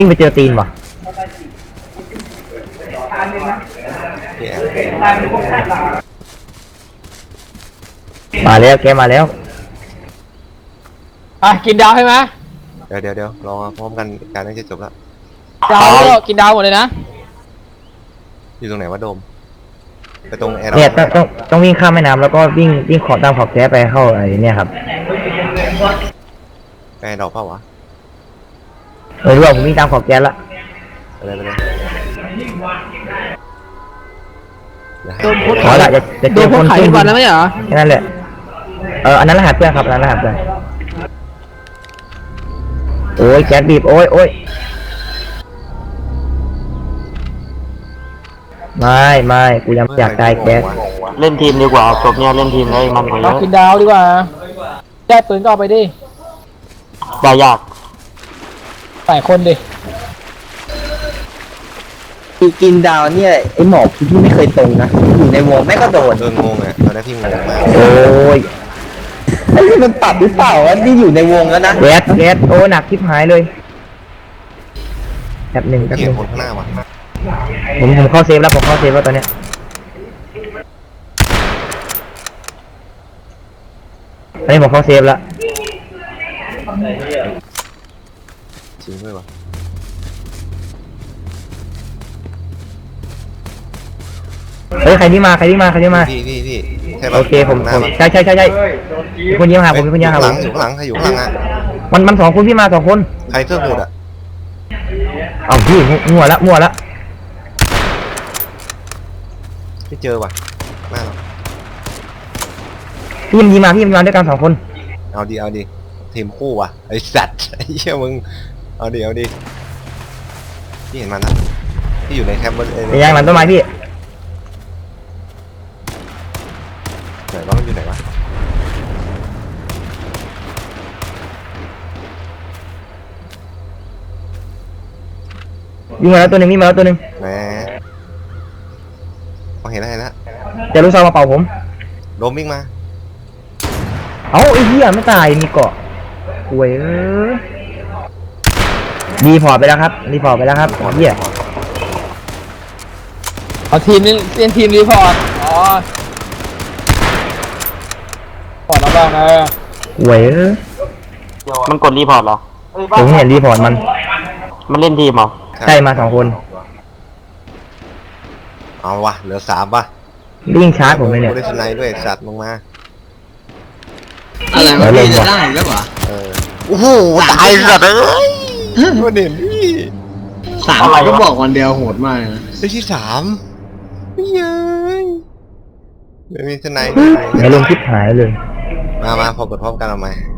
วิ่งไปเจอตีนว่ะมาแล้วแกมาแล้วกินดาวใช่ไหมเดี๋ยวรอพร้อมกันการน่าจะจบแล้วดาวก็กินดาวหมดเลยนะอยู่ตรงไหนวะโดมไปตรงแอร์เนี่ยต้องวิ่งข้ามแม่น้ำแล้วก็วิ่งขอตามขอบแก๊สไปเข้าไอ้เนี่ยครับแอร์ดอกเปล่าวะรู้ว่าผมวิ่งตามขอบแก๊สละไปเลยขอละจะเจอคนขึ้นวันแล้วไหมเหรอแค่นั้นแหละอันนั้นรหัสเพื่อนครับอันนั้นรหัสเพื่อนโอ้ยแก๊สบีบโอ้ยไม่กูยังอยากตายแก๊สเล่นทีมดีกว่าจบเนี่ยเล่นทีมเลยมันกว่าเยอะกินดาวดีกว่าได้ปืนก็เอาไปดิได้ยากใส่คนดิกินดาวเนี่ยไอหมอกที่ไม่เคยตรงนะอยู่ในวงแม่ก็โดนงงอ่ะตอนนี้พี่งงมากโอ้ยไอ้มันปรับหรือเปล่าวะที่อยู่ในวงแล้วนะแก๊สโอ้หนักทิพหายเลยแบบหนึ่งเกี่ยวคนข้างหน้าวะผมเข้าเซฟแล้วผมเข้าเซฟแล้วตอนเนี้ยอันนี้ผมเข้าเซฟแล้วจริงด้วยวะเฮ้ยใครที่มาพี่ใช่โอเคผมใช่คนเยี่ยมหาผมเป็นคนเยี่ยมหาผมอยู่ข้างหลังใครอยู่ข้างหลังอ่ะมันสองคนพี่มาสองคนใครเสื้อหูดอ่ะเอาพี่มั่วละไม่เจอว่ะหน้าเราพี่มันยิงมาด้วยกันสองคนเอาดิทีมคู่ว่ะไอ้สัตว์ไอ้เหี้ยมึงเอาดิพี่เห็นมันนะที่อยู่ในแคมป์บนย่างหลังต้นไม้พี่ไหนวะมันอยู่ไหนวะยิงมาแล้วตัวหนึ่งแหมเห็นแล้วจะรู้ซองมาเป่าผมโดมวิ่งมาเอ้าไอ้เหี้ยไม่ตายมีเกาะป่วยรีพอร์ตไปแล้วครับเหี้ยเอาทีมนี่เล่นทีมรีพอร์ตพอร์ตแล้วบ้างนะป่วยมันกดรีพอร์ตเหรอผมเห็นรีพอร์ตมันเล่นทีมเหรอใช่มาสองคนเอาวะเหลือ3ป่ะวิ่งชาร์จผมเลยเนี่ยได้สไนด์ด้วยสัตว์ลงมาอะไรวะพี่จะได้แล้วเหรอโอ้โหตายสัตว์เลยมาเด่นพี่ 3ก็บอกวันเดียวโหดมากนะได้ที่3ยังไม่มีสไนด์ไม่ลงคลิปหายเลยมาพอกดพร้อมกันเอาไหม